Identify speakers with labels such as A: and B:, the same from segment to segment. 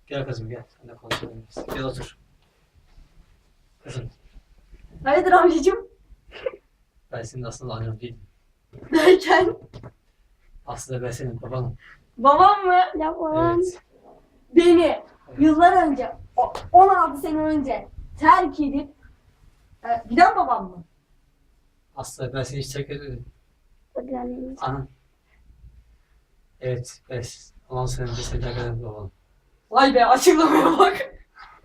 A: Gel kızım gel. Sen de konuşalım biz. Gel otur. Kızım
B: Hayırdır amcacığım?
A: ben senin aslında annen değilim.
B: Derken
A: Aslında ben senin babanım.
B: babam mı?
C: Ya babam.
A: Evet.
B: Beni yıllar önce 16 sene önce terk edip giden babam mı?
A: Aslında ben seni hiç terk etmedim.
C: Öğrenmiş.
A: Anan. Evet. Ben 10 sene önce seni terk eden babanım.
B: Vay be açıklamaya bak.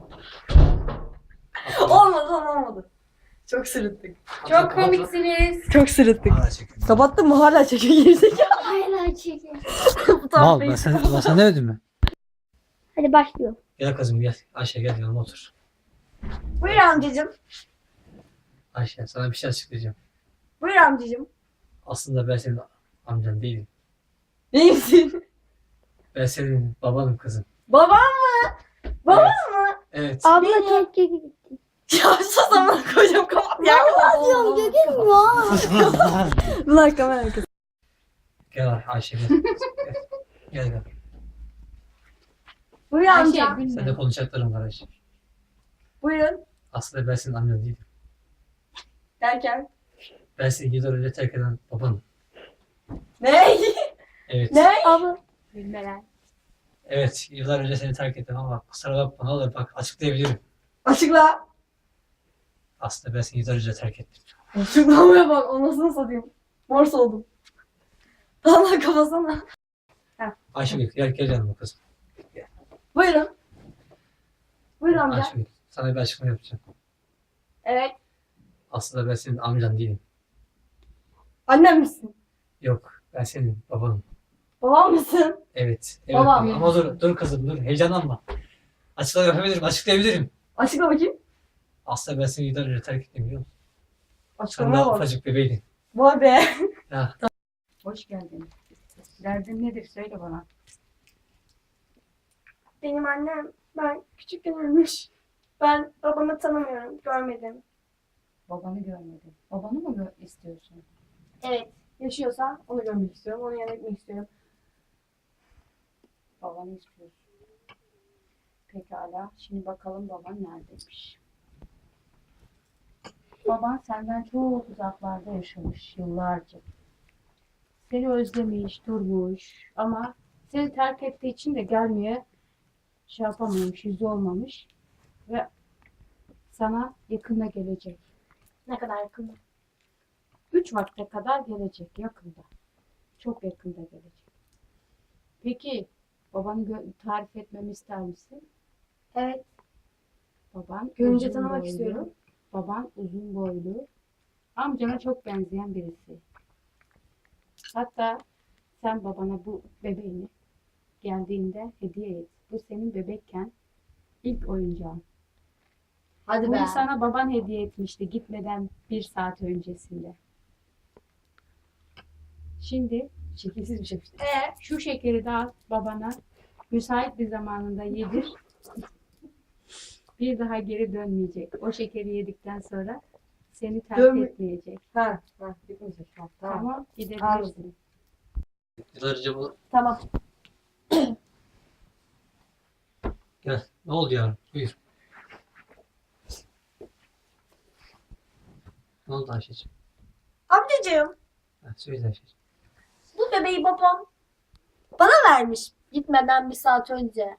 B: olmadı. Çok sırıttık.
D: Çok komiksiniz.
B: Çok sırıttık.
A: Hala çekiyorum.
B: Kapattın mı? Hala çekiyor gerizekalı.
C: Hala çekin.
B: Bu tam
A: Mal
B: değil.
A: ben sana demedim mi?
C: Hadi başlıyor.
A: Gel kızım gel. Ayşe gel yanıma otur.
B: Buyur amcacığım.
A: Ayşe sana bir şey açıklayacağım.
B: Buyur amcacığım.
A: Aslında ben senin amcan değilim.
B: Neyimsin?
A: Ben senin babanım kızım.
B: Babam mı? Babam mı?
A: Evet.
C: Abla
B: Beni-
C: keşke gitti.
B: Ya sus amına koyacağım kapat ya.
C: Vallahi diyorum Gökhan var.
B: Ulan kamera arkası.
A: Gel Ayşe gel. Gel.
B: Buyur
D: Ayşe
B: amca.
A: Sen de
D: gülme.
A: konuşacaklarım var Ayşe.
B: Buyurun.
A: Aslında ben senin annen değilim.
B: Derken.
A: Ben seni yıllar önce terk eden babanım.
B: Ne?
A: Evet.
B: Ne?
C: Abla.
D: Gülmeler.
A: Evet. Yıllar önce seni terk ettim ama kusura bakma ne olur bak açıklayabilirim.
B: Açıkla.
A: Aslında ben seni yıllar önce terk ettim.
B: Açıklamaya bak. O nasıl satayım? Morse oldum. Allah kafasana.
A: Ayşegül gel yanıma kızım.
B: Buyurun. Buyur amca.
A: Ayşegül sana bir açıklama yapacağım.
B: Evet.
A: Aslında ben senin amcan değilim.
B: Annem misin?
A: Yok ben senin babanım.
B: Babam mısın?
A: Evet. Evet
B: Babam.
A: ama dur kızım dur heyecanlanma. Açıklama yapabilirim açıklayabilirim.
B: Açıkla bakayım.
A: Aslında ben seni yıllar önce terk ettim biliyor musun? Sen
B: Açıklamaya
A: daha
B: bak.
A: ufacık bebeydin.
B: Vay be.
A: Ya,
D: Hoş geldin. Derdin nedir söyle bana.
E: Benim annem ben küçükken ölmüş. Ben babamı tanımıyorum, görmedim.
D: Babanı görmedin. Babanı mı istiyorsun?
E: Evet, yaşıyorsa onu görmek istiyorum, onu yanına gitmek istiyorum.
D: Babanı istiyorsun. Pekala. Şimdi bakalım baban neredeymiş. Baban senden çok uzaklarda yaşamış yıllarca. Seni özlemiş, durmuş ama seni terk ettiği için de gelmeye şey yapamamış, yüzü olmamış ve sana yakında gelecek.
E: Ne kadar yakın.
D: 3 vakte kadar gelecek yakında. Çok yakında gelecek. Peki babanı tarif etmemi ister misin?
E: Evet,
D: Baban
E: görünce
D: uzun
E: tanımak
D: boylu,
E: istiyorum.
D: Baban uzun boylu. Amcana çok benzeyen birisi. Hatta sen babana bu bebeğini geldiğinde hediye et. Bu senin bebekken ilk oyuncağın.
B: Hadi be.
D: Bunu sana baban hediye etmişti gitmeden 1 saat öncesinde. Şimdi
B: Şekilsiz bir şey.
D: şu şekeri de al babana müsait bir zamanında yedir. Bir daha geri dönmeyecek. O şekeri yedikten sonra seni terk
B: Dönme-
D: etmeyecek.
B: Ha. Bitmeyecek. Ha, tamam.
D: Tamam, gidebilirsin.
A: yıllar önce bu...
B: Tamam.
A: Gel. Ne oldu yavrum? Buyur. Ne oldu Ayşe'ciğim?
E: Amcacığım,
A: Ha, söyle Ayşe'ciğim.
E: bu bebeği babam bana vermiş gitmeden 1 saat önce.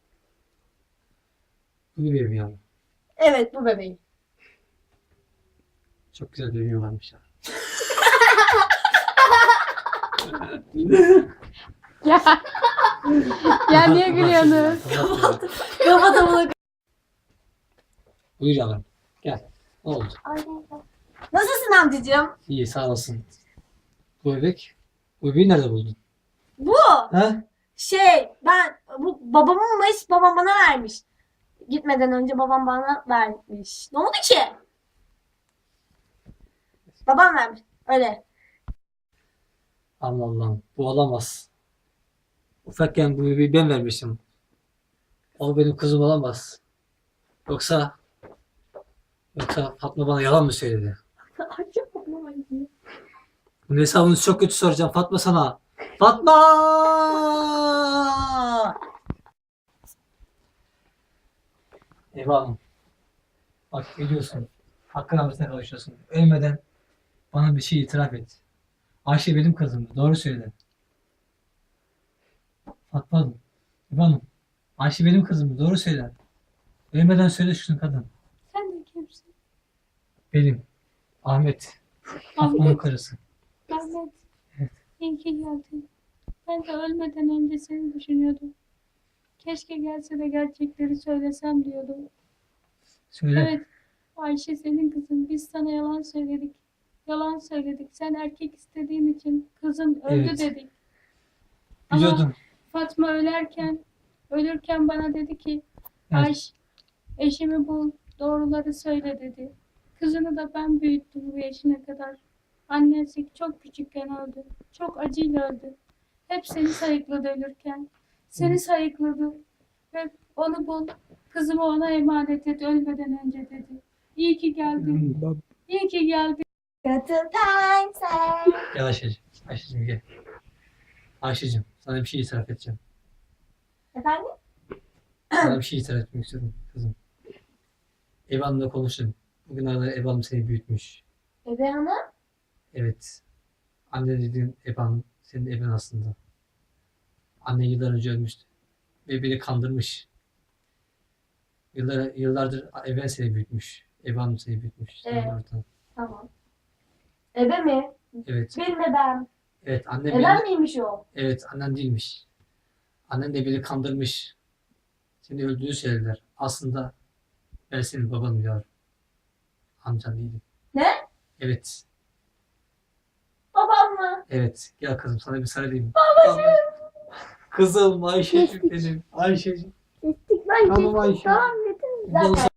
A: Bu bebeğim yavrum.
E: Evet, bu bebeği.
A: Çok güzel bir bebeğim varmış ya.
C: Ya. Ya niye gülüyorsunuz?
B: Kapatalım.
A: Buyur yavrum. Gel. Ne oldu?
B: Nasılsın amcacığım?
A: İyi sağ olasın. Bu bebek. Bu bebeği nerede buldun?
B: Bu
A: Ha?
E: Ben bu babamınmış, babam bana vermiş. Gitmeden önce babam bana vermiş. Ne oldu ki? Babam vermiş. Öyle.
A: Allah Allah. Bu olamaz. Ufakken bu bebeği ben vermişim. O benim kızım olamaz. Yoksa Fatma bana yalan mı söyledi? Bunun hesabını çok kötü soracağım Fatma sana. Fatma! Eva Hanım. Bak geliyorsun. Hakkın rahmetine kavuşuyorsun. Ölmeden bana bir şey itiraf et. Ayşe benim kızımdı. Doğru söyle. Fatma Hanım. Eva Hanım. Ayşe benim kızımdı. Doğru söyle. Ölmeden söyle şunu kadın.
D: Sen de kimsin?
A: Benim. Ahmet. Fatma'nın
D: Ahmet.
A: karısı.
D: Ahmet.
A: Evet.
D: İyi ki geldin. Ben de ölmeden önce seni düşünüyordum. Keşke gelse de gerçekleri söylesem diyordum.
A: Söyle.
D: Evet, Ayşe senin kızın. Biz sana yalan söyledik. Yalan söyledik. Sen erkek istediğin için kızın öldü
A: Evet.
D: dedik. Ama
A: Biliyordum.
D: Fatma ölürken bana dedi ki
A: Evet.
D: Ayşe, eşimi bul, doğruları söyle dedi. Kızını da ben büyüttüm bu yaşına kadar. Annesi çok küçükken öldü. Çok acıyla öldü. Hep seni sayıkladı ölürken. Seni sayıkladı. Ve onu bul, kızımı ona emanet et ölmeden önce dedi. İyi ki geldin. İyi ki geldin.
B: Kötü time.
A: Gel Ayşe'cim. Ayşe'cim gel. Ayşe'cim sana bir şey itiraf edeceğim.
B: Efendim?
A: Sana bir şey itiraf etmek istiyorum kızım. Eva Hanım'la konuştum. Bugünlerde Eva Hanım seni büyütmüş.
B: Ebe Hanım.
A: Evet. Anne dediğin Eva Hanım senin eben aslında. Anne yıllar önce ölmüştü. Ve beni kandırmış. Yıllardır Eva seni büyütmüş. Eva Hanım seni büyütmüş. Senin
B: Evet.
A: oradan.
B: Tamam. Ebe mi?
A: Evet.
B: Benim ebem.
A: Evet annem
B: Ebem
A: beni,
B: miymiş o?
A: evet annen değilmiş. Annen de beni kandırmış. Seni öldüğünü söylediler. Aslında ben senin babanım yavrum. Amcan değilim.
B: Ne?
A: Evet.
B: Babam mı?
A: Evet. Gel kızım sana bir sarılayım. Babacığım. Kızım Ayşe'cim benim. Ayşe'cim.
C: Kestik lan
A: Tamam
C: kestik.
A: Ayşe.
C: Tamam yeter.
A: Zaten